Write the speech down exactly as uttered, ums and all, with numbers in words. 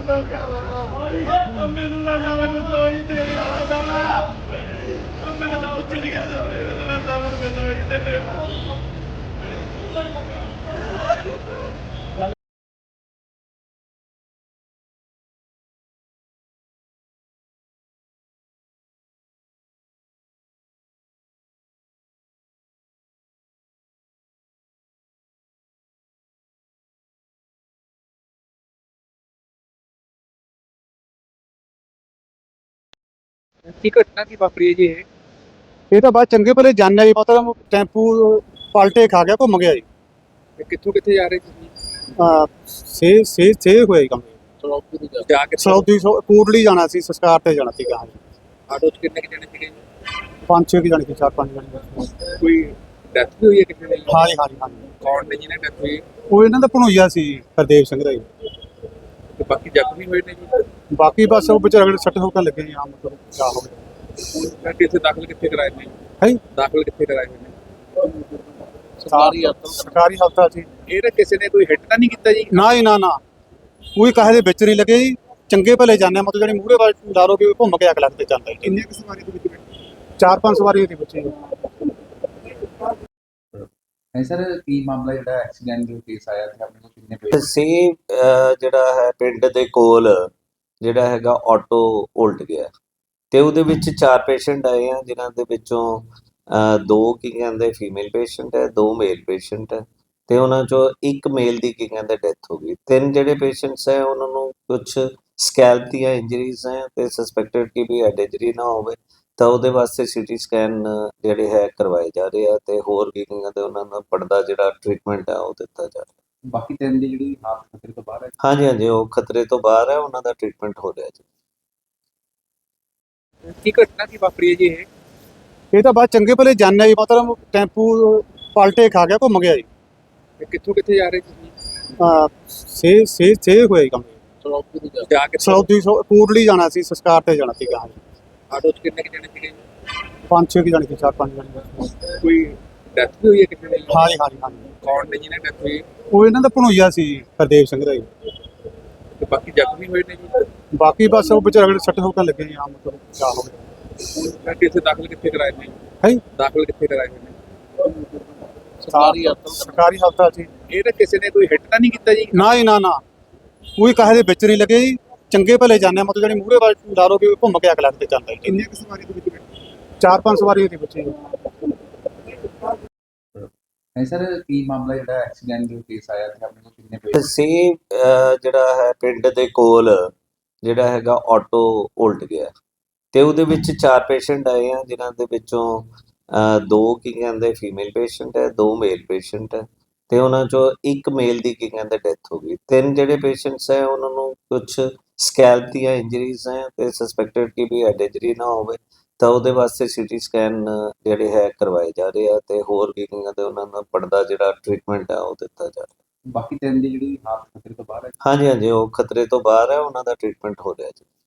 ਮੈਨੂੰ ਲੱਗਾ ਮੈਨੂੰ ਤੋਈ ਤੇ ਮੈਨੂੰ ਤਾਂ ਉੱਚ ਗਿਆ ਮੈਨੂੰ ਤਾਂ ਮੈਨੂੰ ਤੋਈ ਤੇ ਕੀ ਘਟਨਾ ਕੀ ਵਾਪਰੀ ਹੈ ਜੀ ਇਹ? ਇਹ ਤਾਂ ਬਾਅਦ ਚੰਗੇ ਭਲੇ ਜਾਣਿਆ ਜੀ, ਮਤਲਬ ਟੈਂਪੂ ਪਲਟੇ ਖਾ ਗਿਆ, ਘੁੰਮ ਗਿਆ ਜੀ। ਇਹ ਕਿੱਥੋਂ ਕਿੱਥੇ ਜਾ ਰਹੇ ਤੁਸੀਂ? ਆ ਸੇ ਸੇ ਸੇ ਹੋਇਆ ਜੀ ਕੰਮ। ਜਾ ਕੇ ਸੌਦੀ ਸੌ ਕੋਟਲੀ ਜਾਣਾ ਸੀ, ਸੰਸਕਾਰ ਤੇ ਜਾਣਾ ਸੀਗਾ। ਆਟੋ 'ਚ ਕਿੰਨੇ ਕੁ ਜਣੇ ਸੀਗੇ ਜੀ? ਪੰਜ ਛੇ ਕੁ ਜਾਣੇ ਸੀ, ਚਾਰ ਪੰਜ ਜਾਣੇ ਸੀ। ਕੋਈ ਡੈਥ ਵੀ ਹੋਈ ਹੈ ਕਿਸੇ ਦੀ? ਹਾਂ ਜੀ, ਹਾਂ ਜੀ, ਹਾਂ ਜੀ। ਕੌਣ ਨੇ ਜਿਹਨੇ ਡੈਥ ਹੋਈ? ਉਹ ਇਹਨਾਂ ਦਾ ਭਣੋਈਆ ਸੀ, ਹਰਦੇਵ ਸਿੰਘ ਦਾ ਜੀ। ਤੇ ਬਾਕੀ ਜ਼ਖਮੀ ਹੋਏ ਨੇ ਜੀ? ਬਾਕੀ ਬਸ ਉਹ ਵਿਚਾਰੇ ਅਗਲੇ ਸੱਟ ਹੋਕਣ ਲੱਗੇ ਜੀ, ਆਮ ਮਤਲਬ ਕਿਆ ਹੋ ਗਿਆ। ਮੈਂ ਕਿਸੇ ਦਾਖਲ ਕਿੱਥੇ ਕਰਾਏ ਨੇ? ਹੈ ਜੀ, ਦਾਖਲ ਕਿੱਥੇ ਕਰਾਏ ਹੋਏ ਨੇ? ਸਰਕਾਰੀ ਹਸਪਤਾਲ ਸਰਕਾਰੀ ਹਸਪਤਾਲ ਸੀ। ਇਹ ਤਾਂ ਕਿਸੇ ਨੇ ਕੋਈ ਹਿੱਟ ਤਾਂ ਨਹੀਂ ਕੀਤਾ ਜੀ? ਨਾ ਜੀ, ਨਾ ਨਾ, ਕੋਈ ਕਾਹੇ ਦੇ ਵਿੱਚ ਨਹੀਂ ਲੱਗੇ ਜੀ। ਚੰਗੇ ਭਲੇ ਜਾਣਿਆ, ਮਤਲਬ ਜਿਹੜੀ ਮੂਹਰੇ ਵਾਲ ਦਾਰੋ ਵੀ ਘੁੰਮ ਕੇ ਅਗਲਾ ਤੇ ਜਾਂਦਾ ਜੀ। ਕਿੰਨੇ ਕੁ ਸਵਾਰੀ ਦੇ ਵਿੱਚ ਬੈਠੇ? ਚਾਰ ਪੰਜ ਸਵਾਰੀ ਉਹਦੇ ਬੱਚੇ ਜੀ। ਹੈ ਸਰ, ਕੀ ਮਾਮਲਾ ਜਿਹੜਾ ਐਕਸੀਡੈਂਟ ਦਾ ਕੇਸ ਆਇਆ ਤੇ ਆਪਣੇ ਕੋਲ ਕਿੰਨੇ ਪੇਸ਼? ਸੀ ਜਿਹੜਾ ਹੈ ਪਿੰਡ ਦੇ ਕੋਲ ਜਿਹੜਾ ਹੈਗਾ ਆਟੋ ਉਲਟ ਗਿਆ ਤੇ ਉਹਦੇ ਵਿੱਚ ਚਾਰ ਪੇਸ਼ੈਂਟ ਆਏ ਆ, ਜਿਨ੍ਹਾਂ ਦੇ ਵਿੱਚੋਂ ਅਹ, ਦੋ ਕੀ ਕਹਿੰਦੇ ਫੀਮੇਲ ਪੇਸ਼ੈਂਟ ਹੈ, ਦੋ ਮੇਲ ਪੇਸ਼ੈਂਟ ਹੈ ਤੇ ਉਹਨਾਂ ਚੋਂ ਇੱਕ ਮੇਲ ਦੀ ਕੀ ਕਹਿੰਦੇ ਡੈਥ ਹੋ ਗਈ। ਤਿੰਨ ਜਿਹੜੇ ਪੇਸ਼ੈਂਟਸ ਹੈ ਉਹਨਾਂ ਨੂੰ ਕੁਝ ਸਕੈਲਪ ਦੀਆਂ ਇੰਜਰੀਜ਼ ਹੈ ਤੇ ਸਸਪੈਕਟਡ ਕਿ ਵੀ ਹੈਡ ਇੰਜਰੀ ਨਾ ਹੋਵੇ, ਤਾਂ ਉਹਦੇ ਵਾਸਤੇ ਸੀਟੀ ਸਕੈਨ ਜਿਹੜੇ ਹੈ ਕਰਵਾਏ ਜਾ ਰਹੇ ਆ ਤੇ ਹੋਰ ਕੀ ਕਹਿੰਦੇ ਉਹਨਾਂ ਦਾ ਪੜਦਾ ਜਿਹੜਾ ਟ੍ਰੀਟਮੈਂਟ ਹੈ ਉਹ ਦਿੱਤਾ ਜਾ ਰਿਹਾ। ਬਾਕੀ ਤਿੰਨ ਦੀ ਜਿਹੜੀ ਹਾਲਤ ਖਤਰੇ ਤੋਂ ਬਾਹਰ ਹੈ। ਹਾਂਜੀ ਹਾਂਜੀ, ਉਹ ਖਤਰੇ ਤੋਂ ਬਾਹਰ ਹੈ, ਉਹਨਾਂ ਦਾ ਟ੍ਰੀਟਮੈਂਟ ਹੋ ਰਿਹਾ ਜੀ। ਕੀ ਘਟਨਾ ਕੀ ਵਾਪਰੀ ਹੈ ਜੀ ਇਹ? ਇਹ ਤਾਂ ਬਾਅਦ ਚੰਗੇ ਭਲੇ ਜਾਣਿਆ ਜੀ, ਮਤਲਬ ਟੈਂਪੂ ਪਲਟੇ ਖਾ ਗਿਆ, ਘੁੰਮ ਗਿਆ ਜੀ। ਇਹ ਕਿੱਥੋਂ ਕਿੱਥੇ ਜਾ ਰਹੇ ਤੁਸੀਂ? ਆ ਸੇ ਸੇ ਸੇ ਹੋਇਆ ਜੀ ਕੰਮ। ਜਾ ਕੇ ਸੌਦੀ ਸੌ ਕੋਟਲੀ ਜਾਣਾ ਸੀ, ਸੰਸਕਾਰ ਤੇ ਜਾਣਾ ਸੀਗਾ। ਆਟੋ 'ਚ ਕਿੰਨੇ ਕੁ ਜਣੇ ਸੀਗੇ ਜੀ? ਪੰਜ ਛੇ ਕੁ ਜਾਣੇ ਸੀ, ਚਾਰ ਪੰਜ ਜਾਣੇ ਸੀ। ਕੋਈ ਡੈਥ ਵੀ ਹੋਈ ਹੈ ਕਿਸੇ ਦੀ? ਹਾਂ ਜੀ, ਹਾਂ ਜੀ, ਹਾਂ ਜੀ। ਕੌਣ ਨੇ ਜਿਹਨੇ ਡੈਥ ਹੋਈ? ਉਹ ਇਹਨਾਂ ਦਾ ਭਣੋਈਆ ਸੀ, ਹਰਦੇਵ ਸਿੰਘ ਦਾ ਜੀ। ਤੇ ਬਾਕੀ ਜ਼ਖਮੀ ਹੋਏ ਨੇ ਜੀ? ਬਾਕੀ ਬਸ ਉਹ ਵਿਚਾਰੇ ਅਗਲੇ ਸੱਟ ਹੋਕਣ ਲੱਗੇ ਜੀ, ਆਮ ਮਤਲਬ ਕਿਆ ਹੋ ਗਿਆ। ਮੈਂ ਕਿਸੇ ਦਾਖਲ ਕਿੱਥੇ ਕਰਾਏ ਨੇ? ਹੈ ਜੀ, ਦਾਖਲ ਕਿੱਥੇ ਕਰਾਏ ਹੋਏ ਨੇ? ਸਰਕਾਰੀ ਹਸਪਤਾਲ ਸਰਕਾਰੀ ਹਸਪਤਾਲ ਸੀ। ਇਹ ਤਾਂ ਕਿਸੇ ਨੇ ਕੋਈ ਹਿੱਟ ਤਾਂ ਨਹੀਂ ਕੀਤਾ ਜੀ? ਨਾ ਜੀ, ਨਾ ਨਾ, ਕੋਈ ਕਾਹੇ ਦੇ ਵਿੱਚ ਨਹੀਂ ਲੱਗੇ ਜੀ। ਚੰਗੇ ਭਲੇ ਜਾਣਿਆ, ਮਤਲਬ ਜਿਹੜੀ ਮੂਹਰੇ ਵਾਲ ਦਾਰੋ ਵੀ ਘੁੰਮ ਕੇ ਅਗਲਾ ਤੇ ਜਾਂਦਾ ਜੀ। ਕਿੰਨੇ ਕੁ ਸਵਾਰੀ ਦੇ ਵਿੱਚ ਬੈਠੇ? ਚਾਰ ਪੰਜ ਸਵਾਰੀ ਉਹਦੇ ਬੱਚੇ ਜੀ। ਹੈ ਸਰ, ਕੀ ਮਾਮਲਾ ਜਿਹੜਾ ਐਕਸੀਡੈਂਟ ਦਾ ਕੇਸ ਆਇਆ ਤੇ ਆਪਣੇ ਕੋਲ ਕਿੰਨੇ ਪੇਸ਼? ਸੀ ਜਿਹੜਾ ਹੈ ਪਿੰਡ ਦੇ ਕੋਲ ਜਿਹੜਾ ਹੈਗਾ ਆਟੋ ਉਲਟ ਗਿਆ ਤੇ ਉਹਦੇ ਵਿੱਚ ਚਾਰ ਪੇਸ਼ੈਂਟ ਆਏ ਆ, ਜਿਨ੍ਹਾਂ ਦੇ ਵਿੱਚੋਂ ਅਹ, ਦੋ ਕੀ ਕਹਿੰਦੇ ਫੀਮੇਲ ਪੇਸ਼ੈਂਟ ਹੈ, ਦੋ ਮੇਲ ਪੇਸ਼ੈਂਟ ਹੈ ਤੇ ਉਹਨਾਂ ਚੋਂ ਇੱਕ ਮੇਲ ਦੀ ਕੀ ਕਹਿੰਦੇ ਡੈਥ ਹੋ ਗਈ। ਤਿੰਨ ਜਿਹੜੇ ਪੇਸ਼ੈਂਟਸ ਹੈ ਉਹਨਾਂ ਨੂੰ ਕੁਝ ਸਕੈਲਪ ਦੀਆਂ ਇੰਜਰੀਜ਼ ਹੈ ਤੇ ਸਸਪੈਕਟਡ ਕਿ ਵੀ ਹੈਡ ਇੰਜਰੀ ਨਾ ਹੋਵੇ, ਤਾਂ ਉਹਦੇ ਵਾਸਤੇ ਸੀਟੀ ਸਕੈਨ ਜਿਹੜੇ ਹੈ ਕਰਵਾਏ ਜਾ ਰਹੇ ਆ ਤੇ ਹੋਰ ਕੀ ਕਹਿੰਦੇ ਉਹਨਾਂ ਦਾ ਪੜਦਾ ਜਿਹੜਾ ਟ੍ਰੀਟਮੈਂਟ ਹੈ ਉਹ ਦਿੱਤਾ ਜਾ ਰਿਹਾ। ਬਾਕੀ ਤਿੰਨ ਦੀ ਜਿਹੜੀ ਹਾਲਤ ਖਤਰੇ ਤੋਂ ਬਾਹਰ ਹੈ। ਹਾਂਜੀ ਹਾਂਜੀ, ਉਹ ਖਤਰੇ ਤੋਂ ਬਾਹਰ ਹੈ, ਉਹਨਾਂ ਦਾ ਟ੍ਰੀਟਮੈਂਟ ਹੋ ਰਿਹਾ ਜੀ।